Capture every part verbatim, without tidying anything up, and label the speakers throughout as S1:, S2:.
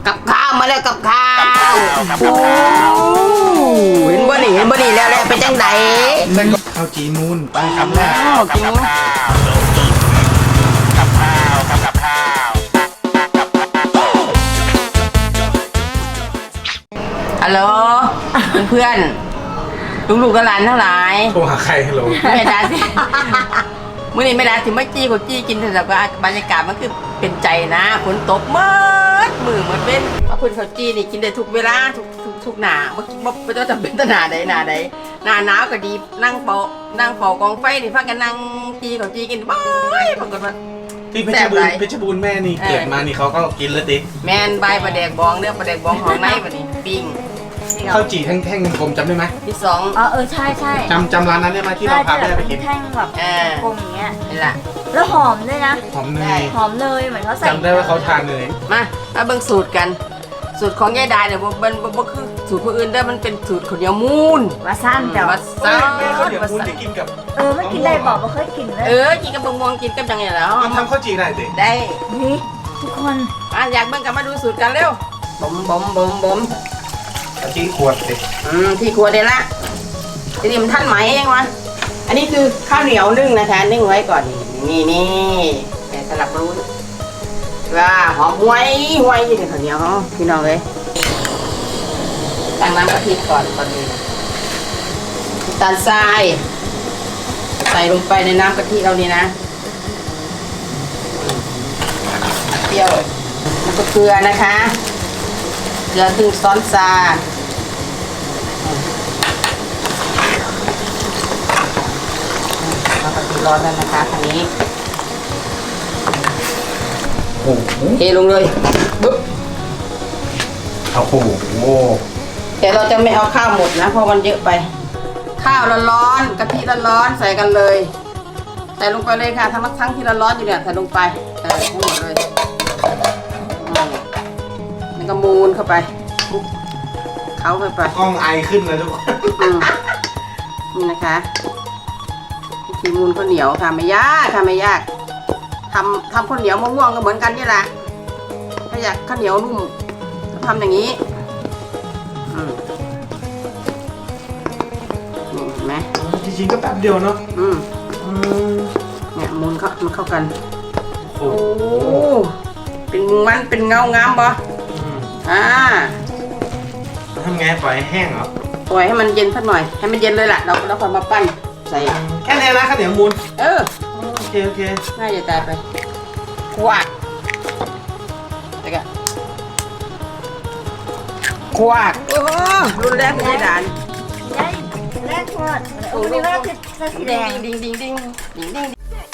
S1: กับข้าวมาแล้วกับข้าวโอ้เห็นบ่นี่เห็นบ่นี่แล้วแล้วเป็นจังได
S2: ข้าวจีมูนไปคำแรก
S1: กิน
S2: กับข้าวกับกับข้าว
S1: ฮัลโหลเพื่อนลูกๆกับหลานทั้งหลาย
S2: โทรหาใครฮัลโหล
S1: แม่ดาสิมื่อนี้แม่ดาถึงไม่จี้กดจี้กินแต่แบบบรรยากาศมันคือเป็นใจนะฝนตกมืดมือมันเป็นว่าคุณเขาจี้นี่กินได้ทุกเวลาทุกทุกทุกหนาเมื่อกี้ว่าไม่ต้องจำเป็นหนาใดหนาใดหนาหนาวก็ดีนั่งเป่านั่งเป่ากองไฟนี่พักกันนั่งจี้เขาจี้กินบ่อยปรากฏว่า
S2: ที่เพชรบูรณ์เพชรบูรณ์แม่นี่เกิดมานี่เขาก็กินแล้วติ
S1: แม่นใบปลาแดกบองเนื้อปลาแดกบองของในแบบนี้ปิ้ง
S2: ข้าวจี่แท่งๆกลมจำได้ไหม
S1: ที่สอง
S3: อ๋อเออใช่ใช่
S2: จำจำร้านนั้นได้ไหมที่เราพาแม่ไปกิน
S3: แท่งแบบกลมอย่างเงี้ย
S1: นี่แหละ
S3: แล้วหอมด้วยนะ
S2: หอมเนย
S3: หอมเนยเหมือนเขาใส่
S2: จำได้ว่าเขาทานเนย
S1: มามาเบิ่งสูตรกันสูตรของยายดาเนี่ยมันมันคือสูตรคนอื่นได้มันเป็นสูตรข้าวเหนียวมูน
S3: วาซันแต่
S1: ว่าซัน
S2: ข้าวเหนียวมูนที่กินกับ
S3: เออไม่กินได้บอกว่าเคยกินเลย
S1: เออกินกับมะม่วงกินกับยังไงแล้ว
S2: มันทำข้าวจี่ได้สิ
S1: ได้
S3: นี่ทุกคน
S1: อ่ะอยากเบิ่งกันมาดูสูตรกันเร็วบ่มบ่มบ่มบ่ม
S2: ที่ขวดสิ
S1: อืมที่ขวดเดี๋ยวละทีนี้มันท่านไหมเองวะอันนี้คือข้าวเหนียวนึ่งนะคะนึ่งไว้ก่อนนี่นี่แต่สลับรู้ว่าหอมห้วยห้วยยี่นี่ข้าวเหนียวพี่น้องเลยตั้งน้ำกะทิก่อนตอนนี้น้ำตาลทรายใส่ลงไปในน้ำกะทิเรานี่นะเปรี้ยวแล้วก็เกลือนะคะเกลือครึ่งช้อนชาน้ำกะทิร้อนแล้วนะคะอันนี้
S2: โอ้โห
S1: เทลงเลยบึ๊บ
S2: โอ้โห
S1: แต่เราจะไม่เอาข้าวหมดนะเพราะมันเยอะไปข้าวร้อนๆกะทิร้อนๆใส่กันเลยใส่ลงไปเลยค่ะทั้งทั้งที่ร้อนๆอยู่เนี่ยใส่ลงไปใส่ทั้งหมดเลยแล้วก็มูนเข้าไปเขาเข้าไป
S2: กล้องไอขึ้นเลยทุกคน
S1: นี่นะคะวิธีมูนข้าวเหนียวค่ะไม่ยากค่ะไม่ยากทำทำข้าวเหนียวมะม่วงก็เหมือนกันนี่แหละถ้าอยากข้าวเหนียวนุ่มทำอย่างนี้อืมนี่เห็นไหม
S2: จริงๆก็แป๊บเดียวเนาะ
S1: อืมเนี่ยมูนเข้ามันเข้ากัน
S2: โอ้
S1: เป็นมันเป็นเงางามปะอ่า
S2: ทำไงปล่อยแห้งเหรอ
S1: ปล่อยให้มันเย็นสักหน่อยให้มันเย็นเลยแหละเราเราค่อยมาปั้นใส่
S2: แค่นี้นะข้าวเหนียวมูน
S1: เออ
S2: โอเคโอเค
S1: น่าจะตายไปขวดแต่ก็ขวดโอ้รุนแรงไม่ได้ด่าน
S3: ได้แรกขวดโอ้ยว่าคือสีแดง
S1: ดิ้งดิ้งดิ้งดิ้งดิ้ง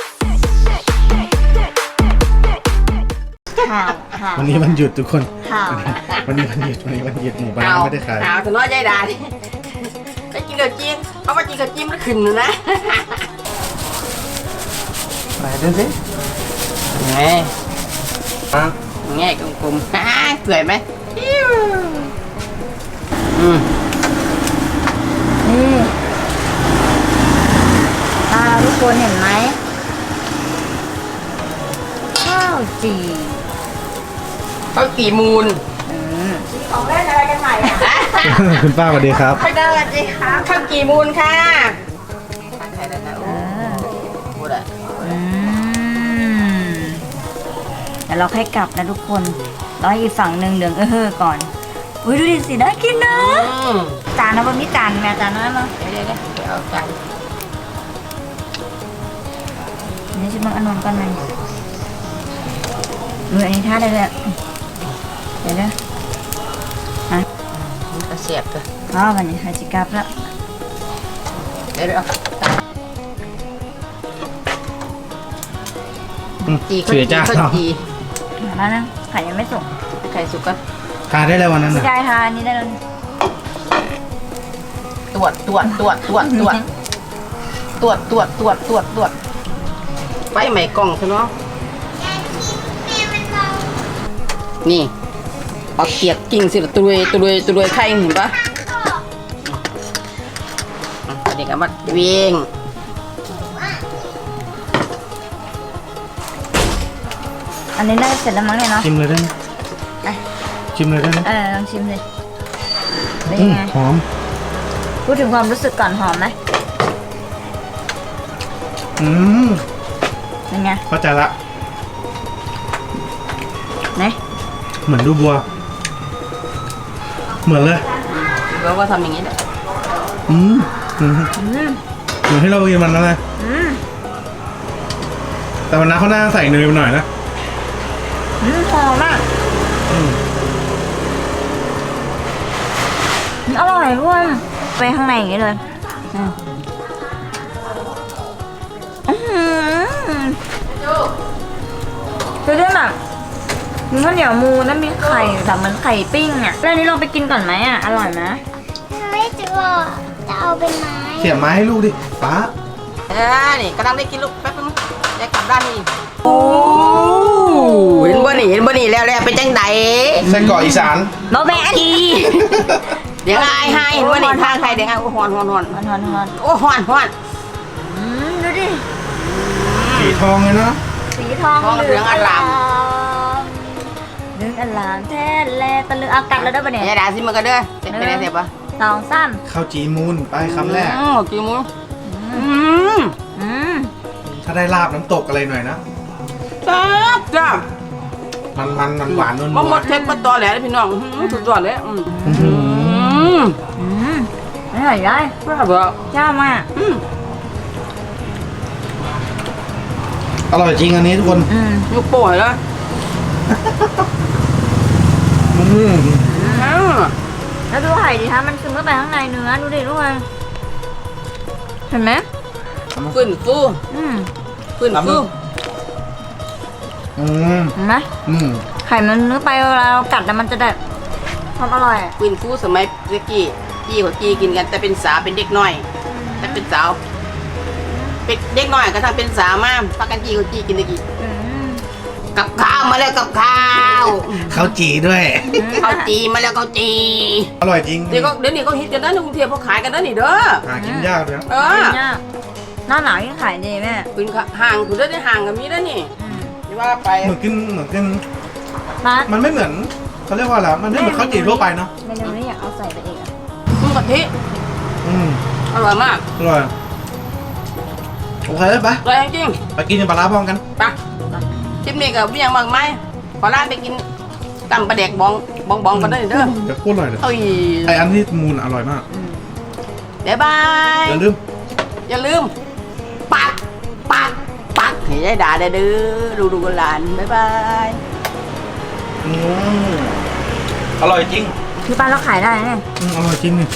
S2: วันนี้วันหยุดทุกคนวันนี้วันหยุดวันนี้วันหยุดหมู่บ้านไม่ได้ขาย
S1: หาวถึงน้อยใจด่าดิไปกินกับจิ้มเพราะว่ากินกับจิ้มมันขึ้นนะ
S2: ไหนดูสิ
S1: ไงไงกลมๆฮ่าสวยไหมอืม
S3: นี่ตาทุกคนเห็นไหมข้าวจี่
S1: ข้าวจี่มูน
S3: ของเล่นอะไรกันใหม่อ่ะ
S2: คุณป้าสวัสดีครับ
S3: สวัสดีครับ
S1: ข้าวจี่มูนค่ะใช่แล้วนะโอ้พูดอ่ะ
S3: เดี๋ยวเราค่อยกลับนะทุกคนรออีกฝั่งหนึ่งเดืองเออก่อนอุ้ยดูดิสิน่ากินนะจานนะว่ามีจานแม่จานน้อยมั้ง
S1: เดี๋ยวเดี๋ยวเดี๋ยวเอาจาน
S3: นี่ชิมอันนนกันไหมเอออันนี้ท่าได้เลยเดี๋ยวเดี๋ยวฮะ
S1: มันก็เสียบเลย
S3: อ๋อวันนี้ฮาจิกับแล้ว
S1: เดี๋ยวเดี๋ยวจีข้าวจีข้าวจี
S3: มาแล้วนะไข่ยังไม่สุก
S1: ไข่สุกก็
S2: ทานได้แล้ววันนั้น
S3: นะใช่ทานนี้ได้แล้ว
S1: ตรวจตรวจตรวจตรวจตรวจตรวจตรวจตรวจตรวจตรวจไปใหม่กล่องใช่ไหมนี่เอาเกียกกิ่งสิตุยตุยตุยไข่เห็นปะเด็กเอามาเวียง
S3: อันนี้น่าจะเสร็จแล้วมั้งเนี่ยเนาะ
S2: ชิมเลยได้ไหม
S3: ชิ
S2: ชิมเลยได้ไหม
S3: เออลองชิมเลยเป็น
S2: อืม
S3: ไง
S2: หอม
S3: พูดถึงความรู้สึกก่อนหอมไหม
S2: อืม
S3: เป็นไง
S2: เข้าใจละ
S3: ไหน
S2: เหมือนดูบัว เหมือนเลย
S1: เราก็ทำอย่างนี้แหละ
S2: อืมอืม
S3: อืม
S2: เหมือนที่เรากินมันนั่นเลย
S3: อืม
S2: แต่วันนั้นเขาหน้าใส่เนยไปหน่อยนะ
S3: อืมหอมมาก
S2: อืม
S3: อร่อยด้วยไปข้างในอย่างนี้เลยอืมอื้อหือคือด้วยแบบมีข้าวเหนียวมูแล้วมีไข่แบบเหมือนไข่ปิ้งอ่ะแล้วอันนี้ลองไปกินก่อนไหมอ่ะ อร่อยไหม
S4: ไม่จะบอกจะเอาเป็นไม้
S2: เสียบไม้ให้ลูกดิป้า
S1: เออนี่กำลังได้กินลูกแป๊บนึงจะกลับด้านนี้โอ้เห็นบ่นี่เห็นบ่นี่แล้วแล้วเป็นจังได
S2: ไส้กรอกอีสาน
S3: บอแบน
S1: เดี๋ยวไอ้ให้เห็นบ่นี่ทางใครเดี๋ยวไอ้โอ้ฮอนฮอนฮอน
S3: ฮอนฮอนฮอน
S1: โอ้ฮอนฮอน
S3: อืมดูดิ
S2: สีทองเลยเนาะ
S3: สีทอง
S1: ทองเหลืองอร่าม
S3: เหลืองอลามแท้แลตะลึงอากัดแล้วได้ปะเนี่ย
S1: อย่าด่าสิมันก็เด้อจะเป็นอะไรเสียบปะ
S3: สองสาม
S2: ข้าวจีมูนไปคำแรก
S1: อืมกี่มุ้งอืม
S3: อืม
S2: ถ้าได้ลาบน้ำตกอะไรหน่อยนะ
S1: จ้าจ้า
S2: มันมันมันหวานนวล
S1: บ่หมดเทปบ่ตอแหลเลยพี่น้องอื้อหือสุดยอดเลยอืม
S2: อื้อหื
S1: อื
S2: อ
S1: ม
S3: อืมอร่อยได้
S1: ว่าบ่
S3: จ้ามาก
S1: อืม
S2: อร่อยจริงอันนี้ทุกคน
S3: อืม
S1: ยกโป้ยแล้ว
S2: อืม
S1: อ้าว
S3: แล้วดูไข่ดิคะมันซึมเข้าไปข้างในเนื้อดูดิทุกคนเห็นไหม
S1: ฟื้นฟู
S3: อืม
S1: ฟื้นฟู
S2: อืม
S3: เห็นไหม
S2: อืม
S3: ไข่มันเนื้อไปเวลาเรากัดแล้วมันจะได้ความอร่อยอะ
S1: ฟื้นฟูสมัยเมื่อกี้จี้เขาจี้กินกันแต่เป็นสาวเป็นเด็กน้อยแต่เป็นสาวเป็นเด็กน้อยก็ถ้าเป็นสาวมาพักกันจี้เขาจี้กินตะกี้
S3: อืม
S1: กับข้าวมาแล้วกับข้าว
S2: ข้าวจีด้วย
S1: ข้าวจีมาแล้วข้าวจี
S2: อร่อยจริง
S1: เดี๋ยวก็เดี๋ยวนี้ก็ฮิตกันนะในกรุงเทพเขาขายกันนะนี่เด้อ
S2: หากินยากเลยนะ
S1: เออ
S3: เนี่ยหน้าหนาวยิ่งขายดีแม่
S1: คุณห่างคุณได้ห่างกันมีได้นี่
S3: อืม
S1: ที่ว่าไป
S2: เหมือนกินเหมือนกิน
S3: มา
S2: มันไม่เหมือนเขาเรียกว่าอะไรมันไม่เหมือนข้าวจีทั่วไปเนาะ
S3: เมนูนี้อยากเอาใส่ไปอีกอะ
S1: กุ้งกะทิ
S2: อืม
S1: อร่อยมาก
S2: อร่อยโอเคไป
S1: อร่อยจริง
S2: ไปกินปลาร้าพร้อมกัน
S1: ๆไปคลิปนี้กับเมียงบางไม้ขอลาไปกินตำปลาแดกบองบองบองกันได้เด้อ
S2: เดี๋ยวพูดอร่อยเลย
S1: เอ้ย
S2: ไออันที่มูนอร่อยมาก
S1: บ๊ายบาย
S2: อย่าลืม
S1: อย่าลืมปักปักปักให้ได้ด่าได้เด้อดูดูกันหลานบ๊ายบาย
S2: อืมอร่อยจริง
S3: ที่บ้านเราขายได้เนี่ย
S2: อืมอร่อยจริงนี่